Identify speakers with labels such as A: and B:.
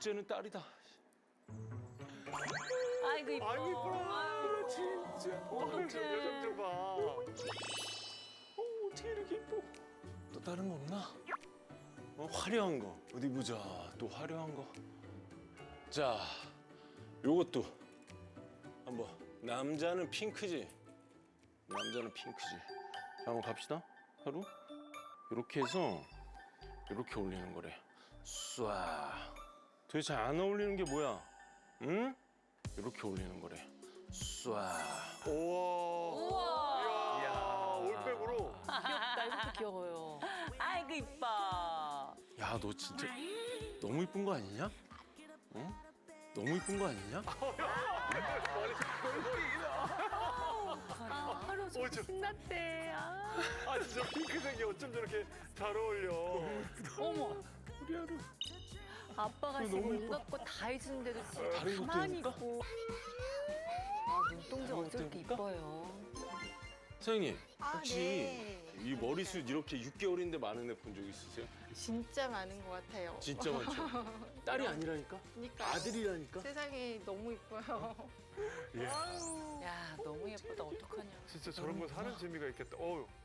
A: 둘째는 딸이다.
B: 아이고 이뻐.
C: 아이고 이뻐라 진짜.
B: 어떡해.
C: 저 표정 좀 봐.
A: 어떻게 이렇게 이뻐? 또 다른 거 없나? 화려한 거 어디 보자. 또 화려한 거. 자, 요것도 한번. 남자는 핑크지. 남자는 핑크지. 자, 한번 갑시다. 하루 이렇게 해서 이렇게 올리는 거래. 쏴. 도대체 안 어울리는 게 뭐야? 응? 이렇게 올리는 거래. 쏴.
C: 우와.
B: 우와.
C: 이야 올백으로.
B: 귀엽다. 이것도 귀여워요. 아이고 이뻐.
A: 야, 너 진짜 너무 이쁜 거 아니냐? 어? 너무 이쁜 거 아니냐?
B: 하루 좀
C: 저-
B: 신났대.
C: 아 진짜 핑크색이 어쩜 저렇게 잘 어울려.
B: 어머.
A: 우리 하루.
B: 아빠가
A: 너무
B: 지금
A: 예뻐.
B: 온갖 거 다 해주는데도 지금
A: 다른 것도
B: 가만히
A: 해줄까?
B: 있고. 아 눈동자
A: 다른 것도
B: 어저께
A: 해볼까?
B: 이뻐요.
A: 사장님, 혹시
D: 네.
A: 이 머리숱 이렇게 6개월인데 많은 애 본 적 있으세요?
D: 진짜 많은 것 같아요.
A: 진짜 많죠? 딸이 아니라니까?
D: 그러니까
A: 아들이라니까?
D: 세상에 너무 이뻐요.
C: 이야
B: 야 너무 예쁘다. 어떡하냐.
C: 진짜 저런 거 사는 재미가 있겠다. 어우.